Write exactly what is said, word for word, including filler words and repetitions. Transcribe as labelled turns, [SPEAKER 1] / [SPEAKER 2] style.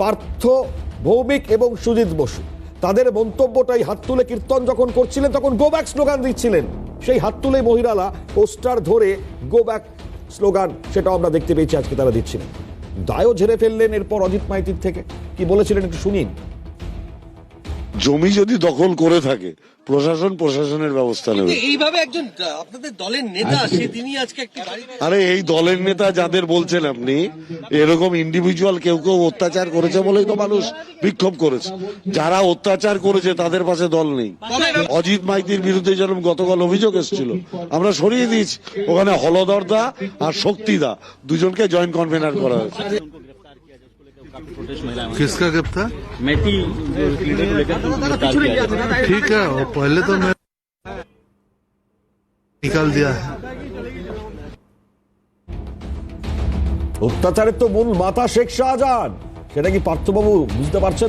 [SPEAKER 1] পার্থ ভৌমিক এবং সুজিত বসু তাদের মন্তব্যটাই হাত তুলে কীর্তন যখন করছিলেন তখন গো ব্যাক স্লোগান দিচ্ছিলেন। সেই হাত তুলে মহিলারা পোস্টার ধরে গো ব্যাক স্লোগান সেটাও আমরা দেখতে পেয়েছি আজকে তারা দিচ্ছিলেন। দায়ও ঝেড়ে ফেললেন এরপর অজিত মাইতির থেকে। কি বলেছিলেন একটু শুনিন।
[SPEAKER 2] জমি যদি দখল করে থাকে প্রশাসন প্রশাসনের ব্যবস্থা নেবে।
[SPEAKER 3] এইভাবে একজন আপনাদের দলের নেতা সে তিনি আজকে একটা
[SPEAKER 2] আরে এই দলের নেতা যাদের বলছেন আপনি, এরকম ইন্ডিভিজুয়াল কেউ কেউ অত্যাচার করেছে বলেই তো মানুষ বিক্ষোভ করেছে। যারা অত্যাচার করেছে তাদের পাশে দল নেই। অজিত মাইতির বিরুদ্ধে যেরকম গতকাল অভিযোগ এসেছিল আমরা সরিয়ে দিয়েছি, ওখানে হলধর দা আর শক্তি দা দুজনকে জয়েন্ট কনভেনার করা হয়েছে।
[SPEAKER 4] किसका गिरफ्तार?
[SPEAKER 5] मैती लीडर को लेकर गिरफ्तार किया गया।
[SPEAKER 4] ठीक है, वो पहले तो मैं निकाल दिया है।
[SPEAKER 1] অত্যাচারের তো মূল মাথা শেখ শাহজাহান, সেটা কি পার্থবাবু বুঝতে পারছেন?